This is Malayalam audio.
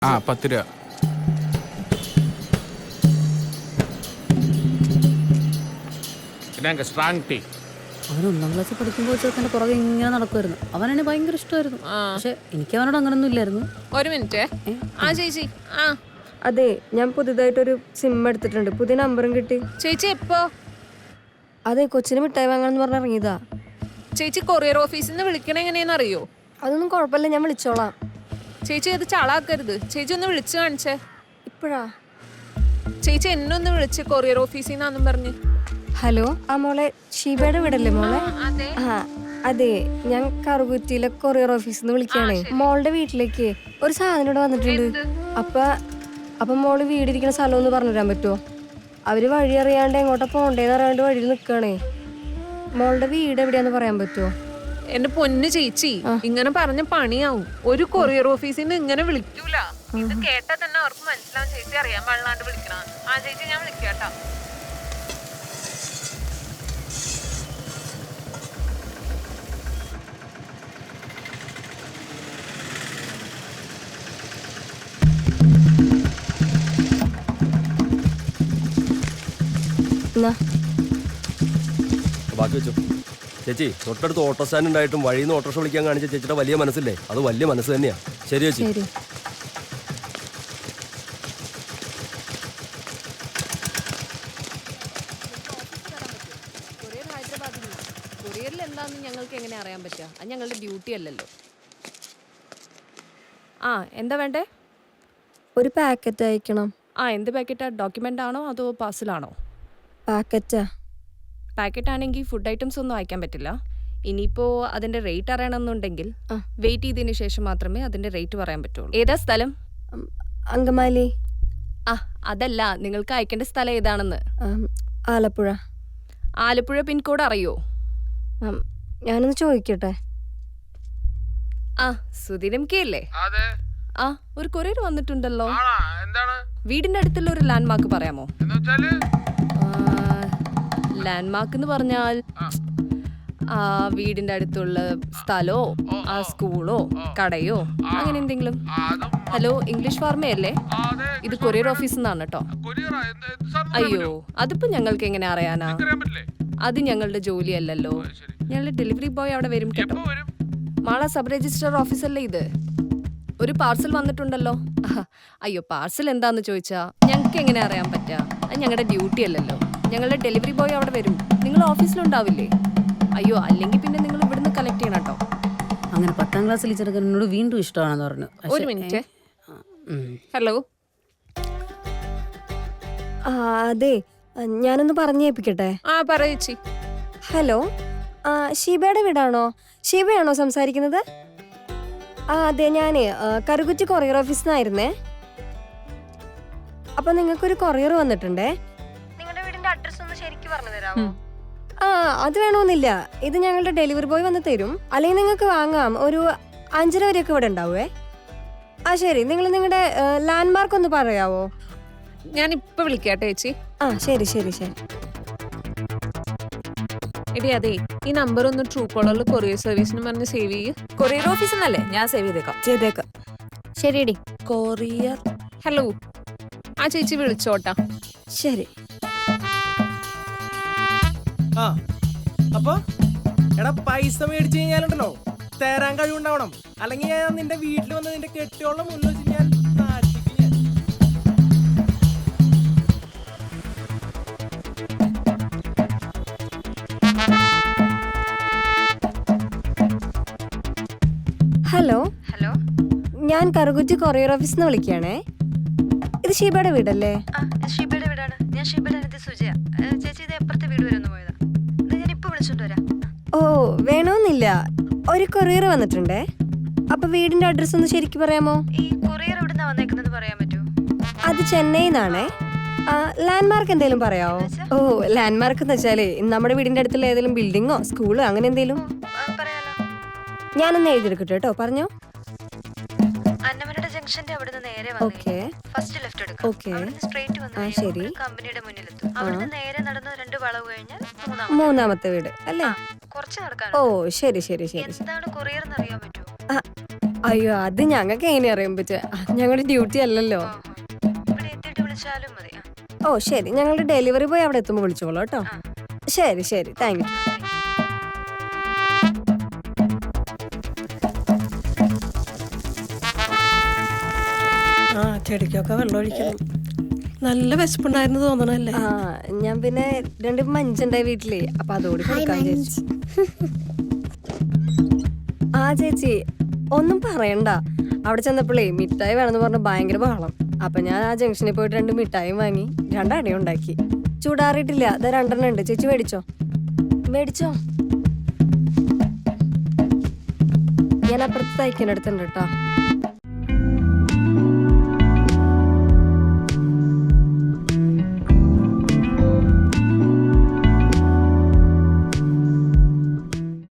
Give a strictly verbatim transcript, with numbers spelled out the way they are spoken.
ആ പത്ത് രൂപ. പിന്നെ സ്ട്രോങ് ടീ. അവൻ ഒന്നാം ക്ലാസ്സിൽ പഠിക്കുമ്പോൾ ചെറുക്കൻ്റെ പുറകെ ഇങ്ങനെ നടക്കുമായിരുന്നു. അവനെന്നെ ഭയങ്കര ഇഷ്ടമായിരുന്നു. പക്ഷെ എനിക്ക് അവനോട് അങ്ങനൊന്നും ഇല്ലായിരുന്നു. ഒരു മിനിറ്റ്. ആ ചേച്ചി. ആ അതെ, ഞാൻ പുതുതായിട്ടൊരു സിം എടുത്തിട്ടുണ്ട്. പുതിയ നമ്പറും കിട്ടി. ചേച്ചി എപ്പോ? അതെ, കൊച്ചിന് മിഠായി വാങ്ങാന്ന് പറഞ്ഞ് ഇറങ്ങിയതാ. ചേച്ചി കൊറിയർ ഓഫീസിൽ നിന്ന് വിളിക്കണ എങ്ങനെയാന്ന് അറിയോ? അതൊന്നും കുഴപ്പമില്ല, ഞാൻ വിളിച്ചോളാം. ചേച്ചി അത് ചളാക്കരുത്. ചേച്ചി ഒന്ന് വിളിച്ചു കാണിച്ചേ. ഇപ്പോഴാ? ചേച്ചി എന്നെ ഒന്ന് വിളിച്ച് കൊറിയർ ഓഫീസിൽ നിന്നാന്നും പറഞ്ഞ്. ഹലോ, ആ മോളെ ഷീബയുടെ വീടല്ലേ മോളെ? ആ അതെ, ഞാൻ കറുകുറ്റിയിലെ കൊറിയർ ഓഫീസിൽ നിന്ന് വിളിക്കുകയാണേ. മോളുടെ വീട്ടിലേക്ക് ഒരു സാധനം ഇവിടെ വന്നിട്ടുണ്ട്. അപ്പൊ അപ്പൊ മോള് വീടിരിക്കുന്ന സ്ഥലം ഒന്ന് പറഞ്ഞു തരാൻ പറ്റുമോ? അവര് വഴി അറിയാണ്ട് എങ്ങോട്ടാ പോണ്ടേന്ന് അറിയാണ്ട് വഴിയിൽ നിൽക്കണേ. മോളുടെ വീട് എവിടെയാന്ന് പറയാൻ പറ്റുമോ? എന്റെ പൊന്ന് ചേച്ചി, ഇങ്ങനെ പറഞ്ഞ പണിയാവും. ഒരു കൊറിയർ ഓഫീസിൽ നിന്ന് ഇങ്ങനെ വിളിക്കൂല. ഇത് കേട്ടാ തന്നെ അവർക്ക് മനസ്സിലാവും ചേച്ചി അറിയാൻ പാടില്ലാണ്ട് വിളിക്കണ. ആ ചേച്ചി ഞാൻ വിളിക്കാട്ടോ. ബാക്കി വെച്ചു. ചേച്ചി, തൊട്ടടുത്ത് ഓട്ടോ സ്റ്റാൻഡ് ഉണ്ടായിട്ടും വഴിയിൽ നിന്ന് ഓട്ടോറിക്ഷ വിളിക്കാൻ കാണിച്ച ചേച്ചിയുടെ വലിയ മനസ്സില്ലേ? അത് വലിയ മനസ്സ് തന്നെയാ. ശരി ചേച്ചി. കൊറിയറിൽ എന്താന്ന് ഞങ്ങൾക്ക് എങ്ങനെ അറിയാൻ പറ്റുക? അത് ഞങ്ങളുടെ ഡ്യൂട്ടി അല്ലല്ലോ. ആ എന്താ വേണ്ടേ? ഒരു പാക്കറ്റ് അയക്കണം. ആ എന്ത് പാക്കറ്റാ? ഡോക്യുമെന്റ് ആണോ അതോ പാഴ്സലാണോ? പാക്കറ്റാ. പാക്കറ്റ് ആണെങ്കിൽ ഫുഡ് ഐറ്റംസ് ഒന്നും അയക്കാൻ പറ്റില്ല. ഇനിയിപ്പോൾ അതിൻ്റെ റേറ്റ് അറിയണമെന്നുണ്ടെങ്കിൽ വെയിറ്റ് ചെയ്തതിന് ശേഷം മാത്രമേ അതിൻ്റെ റേറ്റ് പറയാൻ പറ്റുള്ളൂ. ഏതാ സ്ഥലം? അങ്കമാലി. ആ അതല്ല, നിങ്ങൾക്ക് അയക്കേണ്ട സ്ഥലം ഏതാണെന്ന്. ആലപ്പുഴ. ആലപ്പുഴ പിൻകോഡ് അറിയോ? ഞാനൊന്ന് ചോദിക്കട്ടെ. ആ സുധീരം കെ അല്ലേ? ആ ഒരു കൊറിയർ വന്നിട്ടുണ്ടല്ലോ. വീടിന്റെ അടുത്തുള്ള ഒരു ലാൻഡ് മാർക്ക് പറയാമോ? ലാൻഡ് മാർക്ക് എന്ന് പറഞ്ഞാൽ ആ വീടിന്റെ അടുത്തുള്ള സ്ഥലോ ആ സ്കൂളോ കടയോ അങ്ങനെ എന്തെങ്കിലും. ഹലോ, ഇംഗ്ലീഷ് ഫാർമേ അല്ലേ? ഇത് കൊറിയർ ഓഫീസിൽ നിന്നാണ് കേട്ടോ. അയ്യോ, അതിപ്പോ ഞങ്ങൾക്ക് എങ്ങനെ അറിയാനാ? അത് ഞങ്ങളുടെ ജോലിയല്ലല്ലോ. ഞങ്ങളുടെ ഡെലിവറി ബോയ് അവിടെ വരും കേട്ടോ. മാള സബ് രജിസ്ട്രാർ ഓഫീസല്ലേ ഇത്? ഒരു പാർസൽ വന്നിട്ടുണ്ടല്ലോ. അയ്യോ, പാർസൽ എന്താന്ന് ചോദിച്ചാ ഞങ്ങൾക്ക് എങ്ങനെ അറിയാൻ പറ്റാ? അത് ഞങ്ങളുടെ ഡ്യൂട്ടി അല്ലല്ലോ. ഞങ്ങളുടെ ഡെലിവറി ബോയ് അവിടെ വരും. നിങ്ങൾ ഓഫീസിലുണ്ടാവില്ലേ? അയ്യോ, അല്ലെങ്കിൽ പിന്നെ നിങ്ങൾ ഇവിടുന്ന് കളക്ട് ചെയ്യണം കേട്ടോ. അങ്ങനെ പത്താം ക്ലാസ്സിൽ ചെറുക്കനോട് വീണ്ടും ഇഷ്ടമാണെന്ന് പറഞ്ഞു. ഒരു മിനിറ്റ്. ഹലോ. അതെ, ഞാനൊന്ന് പറഞ്ഞേൽപ്പിക്കട്ടെ? ആ പറയേച്ചി. ഹലോ, ഷീബയുടെ വീടാണോ? ഷീബയാണോ സംസാരിക്കുന്നത്? ആ അതെ, ഞാനേ കറുകുറ്റി കൊറിയർ ഓഫീസിൽ നിന്നായിരുന്നേ. അപ്പൊ നിങ്ങൾക്കൊരു കൊറിയർ വന്നിട്ടുണ്ടേ. നിങ്ങളുടെ വീടിന്റെ അഡ്രസ് ഒന്ന് ശരിക്കും പറഞ്ഞു തരാമോ? ആ അത് വേണമെന്നില്ല, ഇത് ഞങ്ങളുടെ ഡെലിവറി ബോയ് വന്ന് തരും. അല്ലെങ്കിൽ നിങ്ങൾക്ക് വാങ്ങാം. ഒരു അഞ്ചര വരെയൊക്കെ ഇവിടെ ഉണ്ടാവേ. ആ ശരി, നിങ്ങൾ നിങ്ങളുടെ ലാൻഡ് മാർക്ക് ഒന്ന് പറയാവോ? ഞാൻ ഇപ്പൊ വിളിക്കാട്ടെ ചേച്ചി. ആ ശരി ശരി ശരി. എടി അതെ, ഈ നമ്പർ ഒന്ന് ട്രൂ കോളറിൽ കൊറിയർ സർവീസിന് പറഞ്ഞ് സേവ് ചെയ്യ്. കൊറിയർ ഓഫീസ് എന്നല്ലേ? ഞാൻ സേവ് ചെയ്തേക്കാം. ചെയ്തേക്കാം. ശരിയടി. കൊറിയർ. ഹലോ, ആ ചേച്ചി വിളിച്ചോട്ടാ. ശരി. ആ അപ്പൊ എടാ, പൈസ മേടിച്ചു കഴിഞ്ഞാലുണ്ടല്ലോ തരാൻ കഴിവുണ്ടാവണം. അല്ലെങ്കിൽ ഞാൻ നിന്റെ വീട്ടിൽ വന്ന് നിന്റെ കെട്ടിയോളം മുന്നിൽ വെച്ച് ഞാൻ നാട്ടിക്ക് ഞാൻ. ഹലോ ഹലോ, ഞാൻ കറുകുറ്റി കൊറിയർ ഓഫീസിൽ നിന്ന് വിളിക്കുകയാണേ. ഇത് ഷീബയുടെ വീടല്ലേ? ഷീബയുടെ വീടാണ്. ഞാൻ ഷീബയുടെ അടുത്ത് സുജയ. ചേച്ചി ഇത് എപ്പുറത്തെ വീട് വരെ ഒന്ന് പോയതാ. ഞാൻ ഇപ്പൊ വിളിച്ചോണ്ട് വരാം. ഓ വേണമെന്നില്ല, ഒരു കൊറിയർ വന്നിട്ടുണ്ടേ. അപ്പൊ വീടിന്റെ അഡ്രസ് ഒന്ന് ശരിക്കും പറയാമോ? ഈ കൊറിയർ എവിടുന്നാ വന്നേക്കുന്നത് പറയാൻ പറ്റുമോ? അത് ചെന്നൈന്നാണേ. ലാൻഡ് മാർക്ക് എന്തെങ്കിലും പറയാമോ? ഓ ലാൻഡ് മാർക്ക് എന്ന് വെച്ചാലേ നമ്മുടെ വീടിന്റെ അടുത്തുള്ള ഏതെങ്കിലും ബിൽഡിങ്ങോ സ്കൂളോ അങ്ങനെ എന്തെങ്കിലും. പറയാലോ. ഞാനൊന്ന് എഴുതിയെടുക്കട്ടെ കേട്ടോ, പറഞ്ഞോ. അന്നമനയുടെ ജംഗ്ഷന്റെ അവിടെ നിന്ന് നേരെ ഓക്കെ. ഫസ്റ്റ് ലെഫ്റ്റ് എടുക്കാം. ഓക്കെ. സ്ട്രേറ്റ് വന്ന് കമ്പനിയുടെ മുന്നിലെത്തും. അവിടുന്ന് നേരെ നടന്ന് രണ്ട് വളവ് കഴിഞ്ഞാൽ മൂന്നാമത്തെ വീട് അല്ലേ? കുറച്ച് നടക്കാൻ. ഓ ശരി ശരി ശരി. എന്താണ് കൊറിയർ എന്ന് അറിയാൻ പറ്റുമോ? അയ്യോ അത് ഞങ്ങൾക്ക് എങ്ങനെ അറിയാൻ പറ്റുക ഞങ്ങളുടെ ഡ്യൂട്ടി അല്ലല്ലോ. ഇവിടെ എത്തിയിട്ട് വിളിച്ചാലും മതി. ആ. ഓ ശരി, ഞങ്ങളുടെ ഡെലിവറി ബോയ് അവിടെ എത്തുമ്പോൾ വിളിച്ചോളൂ കേട്ടോ. ശരി ശരി, താങ്ക് യു. ആ ചെടിക്കൊക്കെ വെള്ളം ഒഴിക്കണം. നല്ല വിശപ്പുണ്ടായിരുന്നു തോന്നണല്ലേ? ആ ഞാൻ പിന്നെ രണ്ട് മഞ്ചുണ്ടായി വീട്ടിലേ, അപ്പൊ അതോട് കൊടുക്കാൻ ചേച്ചി. ആ ചേച്ചി ഒന്നും പറയണ്ട, അവിടെ ചെന്നപ്പോഴേ മിഠായി വേണമെന്ന് പറഞ്ഞ ഭയങ്കര ബഹളം. അപ്പൊ ഞാൻ ആ ജംഗ്ഷനിൽ പോയിട്ട് രണ്ട് മിഠായും വാങ്ങി രണ്ടടയും ഉണ്ടാക്കി. ചൂടാറിയിട്ടില്ല, അത് രണ്ടെണ്ണം ഉണ്ട്. ചേച്ചി മേടിച്ചോ മേടിച്ചോ. ഞാൻ അപ്പുറത്ത് തയ്ക്കാനടുത്തുണ്ട് കേട്ടോ.